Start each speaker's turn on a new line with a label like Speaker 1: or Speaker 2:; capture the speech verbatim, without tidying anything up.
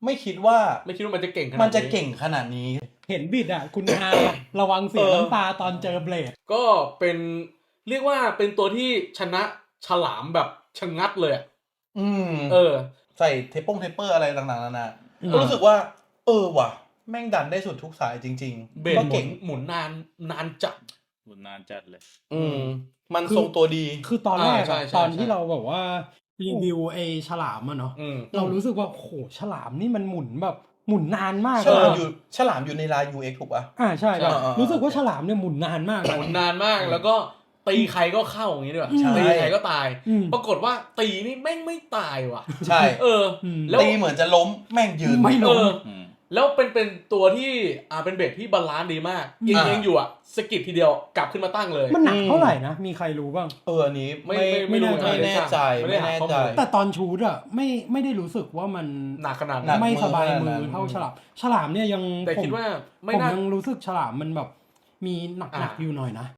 Speaker 1: ไม่คิดว่า
Speaker 2: ไม่คิดว่ามันจะเก่งขนาด
Speaker 1: มันจะเก่งขนาดนี้
Speaker 3: เห็นบิดอ่ะคุณอาระวังเสียน้ำตาตอนเจอเบลด
Speaker 2: ก็เป็นเรียกว่าเป็นตัวที่ชนะฉลามแบบชะงัดเลย
Speaker 1: อืม
Speaker 2: เออ
Speaker 1: ใส่เทปปงเทปเปอร์อะไรต่างๆนานาก็รู้สึกว่าเออว่ะแม่งดันได้สุดทุกสายจริง
Speaker 2: ๆก็เก่งหมุนนานนานจัด
Speaker 4: หมุนนานจัดเลย
Speaker 1: อืมมันทรงตัวดี
Speaker 3: คือตอนแรกตอนที่เราแบบว่ารีวิวไอ้ฉลามอ่ะเนาะเรารู้สึกว่าโหฉลามนี่มันหมุนแบบหมุนนานมาก
Speaker 1: ฉลามอยู่ฉลามอยู่ในลาย ยู เอ็กซ์ ถูกป่ะ
Speaker 3: อ่าใช่ครับรู้สึกว่าฉลามเนี่ยหมุนนานมาก
Speaker 2: หมุนนานมากแล้วก็ตีใครก็เข้าอย่างนี้ด้วยตีใครก็ตายปรากฏว่าตีนี่แม่งไม่ตายว่ะ
Speaker 1: ใช่
Speaker 2: เออ
Speaker 1: แล้วตีเหมือนจะล้มแม่งยืน
Speaker 3: ไม่ล้ม
Speaker 2: แล้วเป็นเป็นตัวที่อ่าเป็นเบสที่บาลานซ์ดีมากยิงยิงอยู่อ่ะสกิดทีเดียวกลับขึ้นมาตั้งเลย
Speaker 3: มันหนักเท่าไหร่นะมีใครรู้บ้าง
Speaker 1: เอออันนี้
Speaker 2: ไม่ไม่รู้
Speaker 1: ไม่แน่ใจไม่แน่ใจ
Speaker 3: แต่ตอนชูดอ่ะไม่ไม่ได้รู้สึกว่ามัน
Speaker 2: หนักขนาดนั้น
Speaker 3: ไม่สบายมือเท่าฉลามฉลามเนี่ยยัง
Speaker 2: แต่คิดว่า
Speaker 3: ผมยังรู้สึกฉลามมันแบบมีหนักๆอยู่หน่อยนะ